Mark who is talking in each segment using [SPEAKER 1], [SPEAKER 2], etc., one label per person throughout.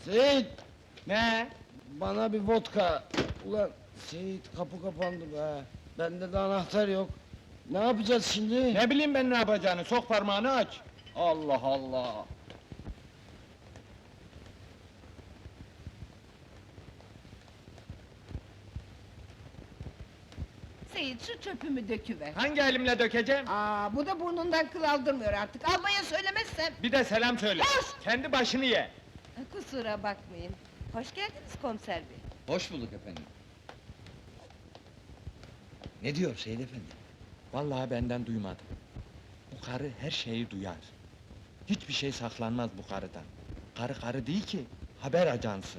[SPEAKER 1] Seyit,
[SPEAKER 2] Ne?
[SPEAKER 1] bana bir vodka. Ulan Seyit, kapı kapandı be. Bende de anahtar yok. Ne yapacağız şimdi?
[SPEAKER 2] Ne bileyim ben ne yapacağını, sok parmağını aç. Allah Allah!
[SPEAKER 3] Seyit, şu çöpümü döküver.
[SPEAKER 2] Hangi elimle dökeceğim?
[SPEAKER 3] Bu da burnundan kıl aldırmıyor artık. Almaya söylemezsem.
[SPEAKER 2] Bir de selam söyle.
[SPEAKER 3] Sus!
[SPEAKER 2] Kendi başını ye.
[SPEAKER 3] Kusura bakmayın. Hoş geldiniz komiser bey.
[SPEAKER 4] Hoş bulduk efendim. Ne diyor Seyit efendi?
[SPEAKER 2] Vallahi benden duymadım. Bu karı her şeyi duyar. Hiçbir şey saklanmaz bu karıdan. Karı karı değil ki, haber ajansı.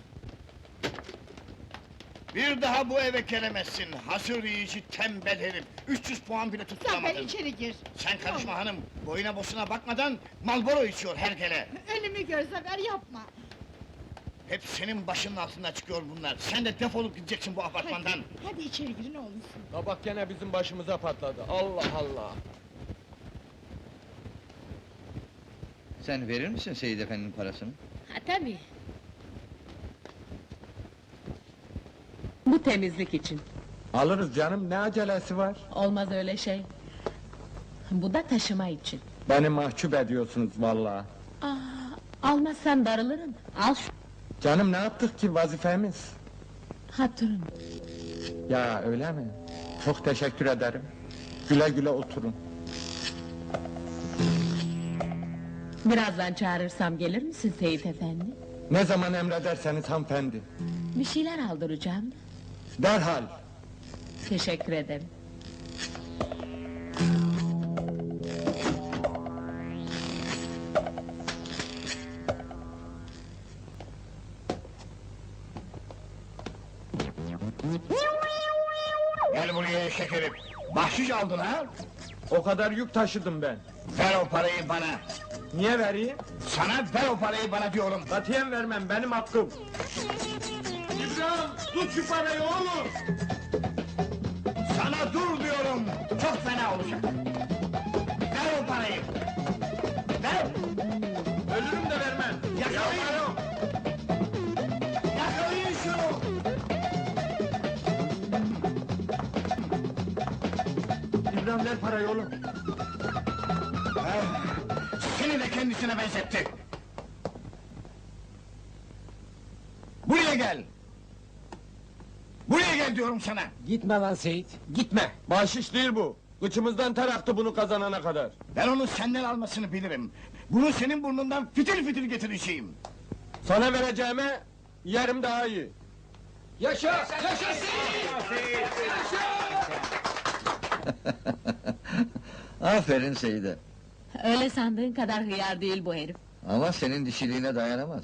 [SPEAKER 5] Bir daha bu eve gelemezsin, hasır yiyici tembel herif! 300 puan bile
[SPEAKER 3] Zafer
[SPEAKER 5] tutturamadın!
[SPEAKER 3] içeri gir.
[SPEAKER 5] Sen karışma hanım, boyuna bosuna bakmadan Marlboro içiyor hergele!
[SPEAKER 3] Ölümü gör Zafer, yapma.
[SPEAKER 5] Hep senin başının altında çıkıyor bunlar! Sen de defolup gideceksin bu apartmandan!
[SPEAKER 3] Hadi içeri girin olmuşsun.
[SPEAKER 2] Tabak gene bizim başımıza patladı. Allah Allah!
[SPEAKER 4] Sen verir misin Seyit efendinin parasını?
[SPEAKER 6] Ha tabii. Bu temizlik için.
[SPEAKER 2] Alırız canım, ne acelesi var?
[SPEAKER 6] Olmaz öyle şey. Bu da taşıma için.
[SPEAKER 2] Beni mahcup ediyorsunuz vallahi.
[SPEAKER 6] Almazsan darılırım. Al şu
[SPEAKER 2] Canım ne yaptık ki, vazifemiz?
[SPEAKER 6] hatırın.
[SPEAKER 2] Ya öyle mi? Çok teşekkür ederim. Güle güle oturun.
[SPEAKER 6] Birazdan çağırırsam gelir misin Seyit efendi?
[SPEAKER 2] Ne zaman emrederseniz hanımefendi.
[SPEAKER 6] Bir şeyler aldıracağım.
[SPEAKER 2] Derhal.
[SPEAKER 6] Teşekkür ederim.
[SPEAKER 5] Gel buraya eşek herif! Bahşiş aldın ha?
[SPEAKER 2] O kadar yük taşıdım ben.
[SPEAKER 5] Ver o parayı bana!
[SPEAKER 2] Niye vereyim?
[SPEAKER 5] Sana ver o parayı bana diyorum!
[SPEAKER 2] Katiyen vermem, benim hakkım. İbrahim, tut şu parayı oğlum!
[SPEAKER 5] Sana dur diyorum! Çok fena olacak! Ver o parayı! Ver!
[SPEAKER 2] Ölürüm de vermem.
[SPEAKER 5] Yakalayın!
[SPEAKER 2] Yaparım.
[SPEAKER 5] Yakalayın şunu!
[SPEAKER 2] İbrahim ver parayı oğlum.
[SPEAKER 5] Seni de kendisine benzetti! Buraya gel! Buraya gel diyorum sana!
[SPEAKER 1] Gitme lan Seyit, gitme!
[SPEAKER 2] Bahşiş değil bu. Kıçımızdan ter aktı bunu kazanana kadar.
[SPEAKER 5] Ben onu senden almasını bilirim! Bunu senin burnundan fitil fitil getireceğim!
[SPEAKER 2] Sana vereceğime yerim daha iyi.
[SPEAKER 1] Yaşa!
[SPEAKER 4] Aferin Seyit'e.
[SPEAKER 6] Öyle sandığın kadar hıyar değil bu herif.
[SPEAKER 4] Ama senin dişiliğine dayanamaz.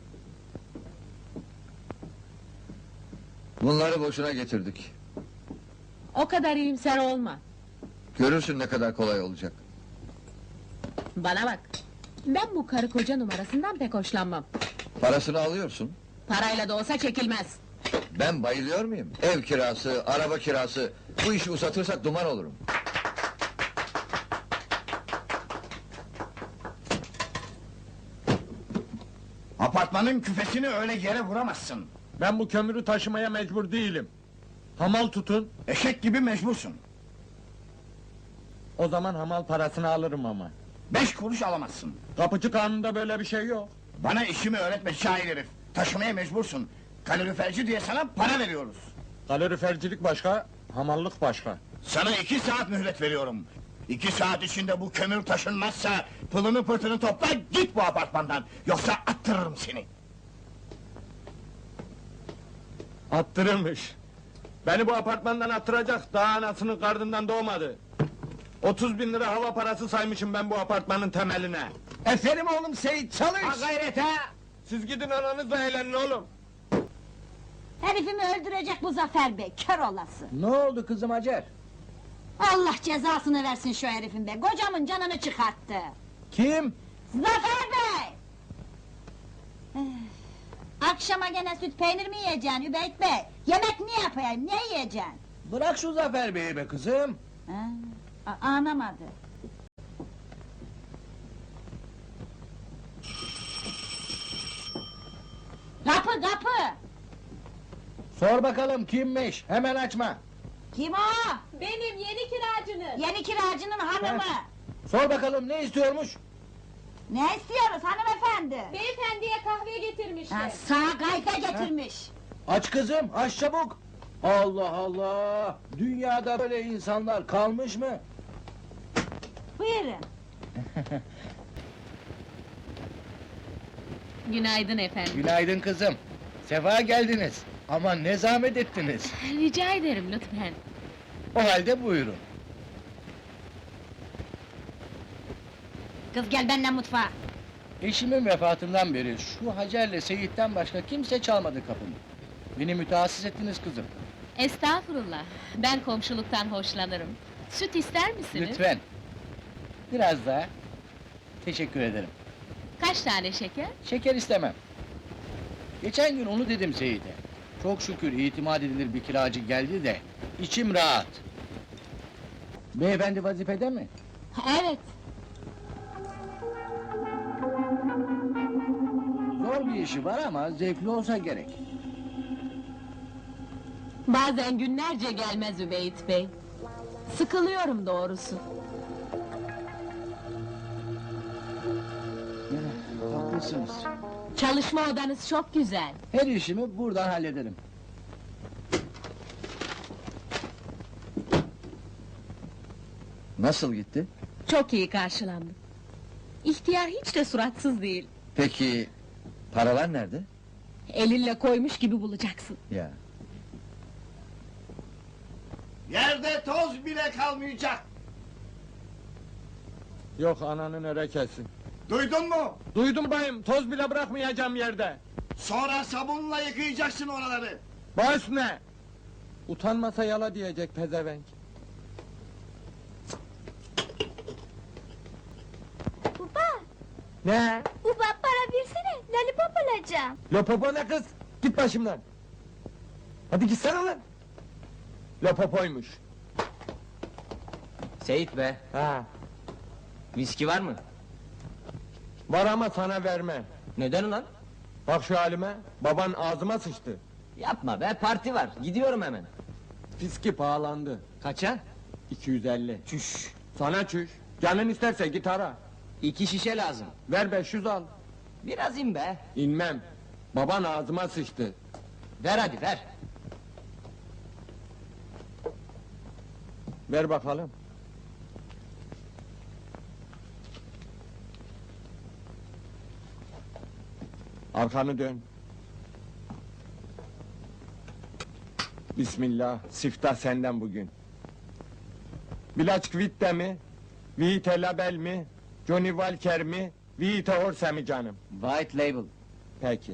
[SPEAKER 4] Bunları boşuna getirdik.
[SPEAKER 6] O kadar iyimser olma.
[SPEAKER 4] Görürsün ne kadar kolay olacak.
[SPEAKER 6] Bana bak. Ben bu karı koca numarasından pek hoşlanmam.
[SPEAKER 4] Parasını alıyorsun.
[SPEAKER 6] Parayla da olsa çekilmez.
[SPEAKER 4] Ben bayılıyor muyum? Ev kirası, araba kirası... Bu işi uzatırsak duman olurum.
[SPEAKER 5] Apartmanın küfesini öyle yere vuramazsın!
[SPEAKER 2] Ben bu kömürü taşımaya mecbur değilim. Hamal tutun.
[SPEAKER 5] Eşek gibi mecbursun!
[SPEAKER 2] O zaman hamal parasını alırım ama.
[SPEAKER 5] 5 kuruş alamazsın!
[SPEAKER 2] Kapıcı kanununda böyle bir şey yok.
[SPEAKER 5] Bana işimi öğretme cahil herif! Taşımaya mecbursun! Kaloriferci diye sana para veriyoruz!
[SPEAKER 2] Kalorifercilik başka, hamallık başka.
[SPEAKER 5] Sana 2 saat mühlet veriyorum! 2 saat içinde bu kömür taşınmazsa... ...pılını pırtını topla, git bu apartmandan! Yoksa attırırım seni!
[SPEAKER 2] Attırırmış. Beni bu apartmandan attıracak, daha anasının karnından doğmadı. 30.000 lira hava parası saymışım ben bu apartmanın temeline.
[SPEAKER 1] Eferim oğlum Seyit, çalış!
[SPEAKER 2] Ha gayret ha! Siz gidin ananızla eğlenin oğlum.
[SPEAKER 7] Herifimi öldürecek bu Zafer Bey, kör olası!
[SPEAKER 1] Ne oldu kızım Hacer?
[SPEAKER 7] Allah cezasını versin şu herifin be, kocamın canını çıkarttı!
[SPEAKER 1] Kim?
[SPEAKER 7] Zafer Bey! Akşama gene süt peynir mi yiyeceksin Übeyt Bey? Yemek ne yapayım, ne yiyeceksin?
[SPEAKER 1] Bırak şu Zafer Bey'i be kızım!
[SPEAKER 7] Anlamadı. kapı!
[SPEAKER 5] Sor bakalım kimmiş? Hemen açma.
[SPEAKER 7] Kim o?
[SPEAKER 6] Benim yeni kiracınız.
[SPEAKER 7] Yeni kiracının hanımı!
[SPEAKER 5] Sor bakalım ne istiyormuş?
[SPEAKER 7] Ne istiyoruz hanımefendi?
[SPEAKER 6] Beyefendiye kahve getirmişler.
[SPEAKER 7] Ha, sağ kayfa getirmiş.
[SPEAKER 5] Aç kızım, aç çabuk! Allah Allah! Dünyada böyle insanlar kalmış mı?
[SPEAKER 7] Buyurun.
[SPEAKER 6] Günaydın efendim.
[SPEAKER 5] Günaydın kızım. Sefa geldiniz. Ama ne zahmet ettiniz.
[SPEAKER 6] Rica ederim lütfen.
[SPEAKER 5] O halde buyurun.
[SPEAKER 7] Kız gel benden mutfağa.
[SPEAKER 5] Eşimin vefatından beri şu Hacer'le Seyit'ten başka kimse çalmadı kapımı. Beni mütehassıs ettiniz kızım.
[SPEAKER 6] Estağfurullah. Ben komşuluktan hoşlanırım. Süt ister misiniz?
[SPEAKER 5] Lütfen. Biraz daha. Teşekkür ederim.
[SPEAKER 6] Kaç tane şeker?
[SPEAKER 5] Şeker istemem. Geçen gün onu dedim Seyit'e. Çok şükür itimat edilir bir kiracı geldi de içim rahat. Beyefendi vazifede mi?
[SPEAKER 6] Evet.
[SPEAKER 5] Zor bir işi var ama zevkli olsa gerek.
[SPEAKER 6] Bazen günlerce gelmez Übeyt Bey. Sıkılıyorum doğrusu.
[SPEAKER 5] Haklısınız.
[SPEAKER 6] Çalışma odanız çok güzel.
[SPEAKER 5] Her işimi buradan hallederim.
[SPEAKER 4] Nasıl gitti?
[SPEAKER 6] Çok iyi karşılandım. İhtiyar hiç de suratsız değil.
[SPEAKER 4] Peki, paralar nerede?
[SPEAKER 6] Elinle koymuş gibi bulacaksın.
[SPEAKER 4] Ya.
[SPEAKER 5] Yerde toz bile kalmayacak.
[SPEAKER 2] Yok ananın erekesi.
[SPEAKER 5] Duydun mu?
[SPEAKER 2] Duydum bayım, toz bile bırakmayacağım yerde.
[SPEAKER 5] Sonra sabunla yıkayacaksın oraları.
[SPEAKER 2] Baş ne? Utanmasa yala diyecek pezevenk.
[SPEAKER 8] Baba,
[SPEAKER 2] Ne?
[SPEAKER 8] baba para versene, lollipop alacağım.
[SPEAKER 2] Lopopo ne kız? Git başımdan. Hadi gitsene lan. Lopopoymuş.
[SPEAKER 9] Seyit be,
[SPEAKER 2] Ha,
[SPEAKER 9] viski var mı?
[SPEAKER 2] var ama sana vermem.
[SPEAKER 9] Neden ulan?
[SPEAKER 2] Bak şu halime, baban ağzıma sıçtı.
[SPEAKER 9] Yapma be, parti var, gidiyorum hemen.
[SPEAKER 2] Fiski pahalandı.
[SPEAKER 9] Kaça?
[SPEAKER 2] 250.
[SPEAKER 9] Çüş!
[SPEAKER 2] Sana çüş. Canın isterse git ara.
[SPEAKER 9] 2 şişe lazım.
[SPEAKER 2] Ver 500 al.
[SPEAKER 9] Biraz in be.
[SPEAKER 2] İnmem. Baban ağzıma sıçtı.
[SPEAKER 9] Ver hadi ver.
[SPEAKER 2] Ver bakalım. Arkanı dön. Bismillah, siftah senden bugün. Bilaç Kvitte mi? Vite Label mi? Johnny Walker mi? Vite Orse mi canım?
[SPEAKER 9] White label.
[SPEAKER 2] Peki.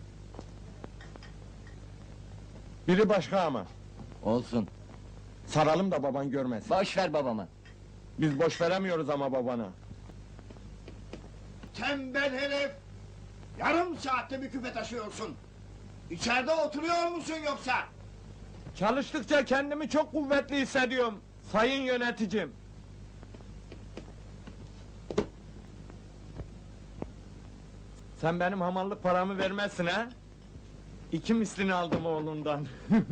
[SPEAKER 2] Biri başka ama.
[SPEAKER 9] Olsun.
[SPEAKER 2] Saralım da baban görmesin.
[SPEAKER 9] Boş ver babama.
[SPEAKER 2] Biz boş veremiyoruz ama babana.
[SPEAKER 5] Tembel herif! Yarım saatte bir küpe taşıyorsun. İçeride oturuyor musun yoksa?
[SPEAKER 2] Çalıştıkça kendimi çok kuvvetli hissediyorum. Sayın yöneticim. Sen benim hamallık paramı vermezsin ha? 2 mislini aldım oğlundan.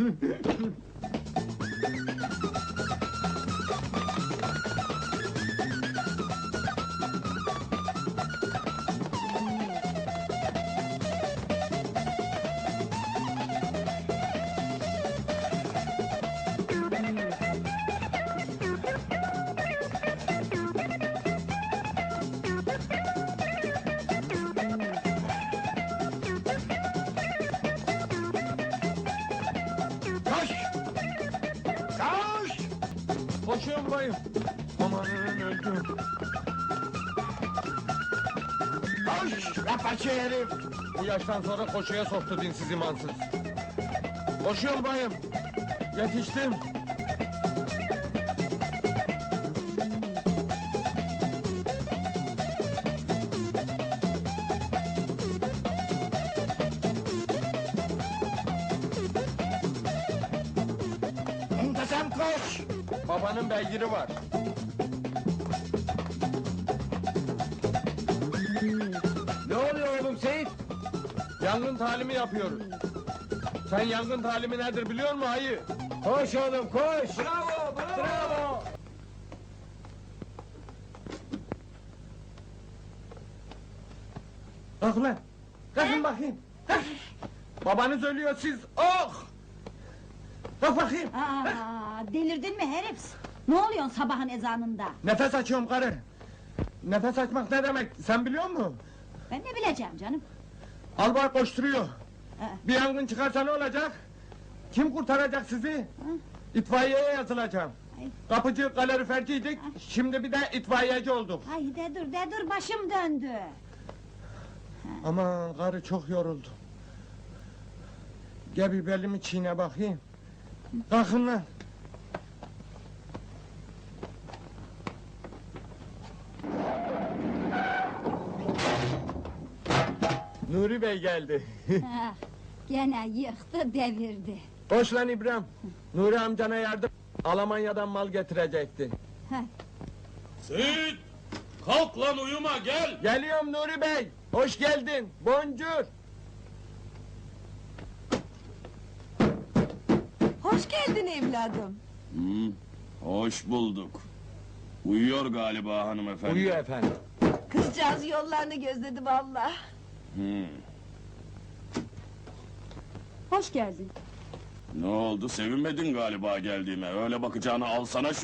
[SPEAKER 5] Koş! Koş!
[SPEAKER 2] Koşuyorum bayım. Amanın öldüm.
[SPEAKER 5] Koş! Rapaçı herif!
[SPEAKER 2] Bu yaştan sonra koşuya soktu dinsiz imansız. Koşuyorum bayım. Yetiştim.
[SPEAKER 5] Muntazam koş!
[SPEAKER 2] Babanın beygiri var.
[SPEAKER 9] Ne oluyor oğlum Seyit?
[SPEAKER 2] Ya Yangın talimi yapıyoruz. Sen yangın talimi nedir biliyor musun ayı?
[SPEAKER 1] Koş oğlum koş.
[SPEAKER 2] Bravo, bravo! Kalk lan! Kalkın bakayım! Kalk! Babanız ölüyor siz, oh! Kalk bakayım!
[SPEAKER 7] Aa, delirdin mi herif? Ne oluyorsun sabahın ezanında?
[SPEAKER 2] Nefes açıyorum karı! Nefes açmak ne demek, sen biliyor musun?
[SPEAKER 7] Ben ne bileceğim canım?
[SPEAKER 2] Albay koşturuyor.
[SPEAKER 7] Ha.
[SPEAKER 2] Bir yangın çıkarsa ne olacak? Kim kurtaracak sizi? İtfaiyeye yazılacağım.
[SPEAKER 7] Ay.
[SPEAKER 2] Kapıcı, kaloriferciydik, şimdi bir de itfaiyeci olduk.
[SPEAKER 7] Ay de dur başım döndü.
[SPEAKER 2] Aman karı çok yoruldu. Gel bir belimi çiğne bakayım. Kalkın lan. Nuri Bey geldi.
[SPEAKER 7] Ah, gene yıktı devirdi.
[SPEAKER 2] Hoş lan İbrahim. Nuri amcana yardım. Almanya'dan mal getirecekti.
[SPEAKER 10] Seyit! Kalk lan uyuma gel!
[SPEAKER 2] Geliyorum Nuri Bey. Hoş geldin. Boncuk.
[SPEAKER 3] Hoş geldin evladım.
[SPEAKER 10] Hoş bulduk. Uyuyor galiba hanımefendi.
[SPEAKER 2] Uyuyor efendim.
[SPEAKER 3] Kızcağız yollarını gözledi vallahi.
[SPEAKER 10] Hı.
[SPEAKER 3] Hoş geldin.
[SPEAKER 10] Ne oldu sevinmedin galiba geldiğime, öyle bakacağını alsana şu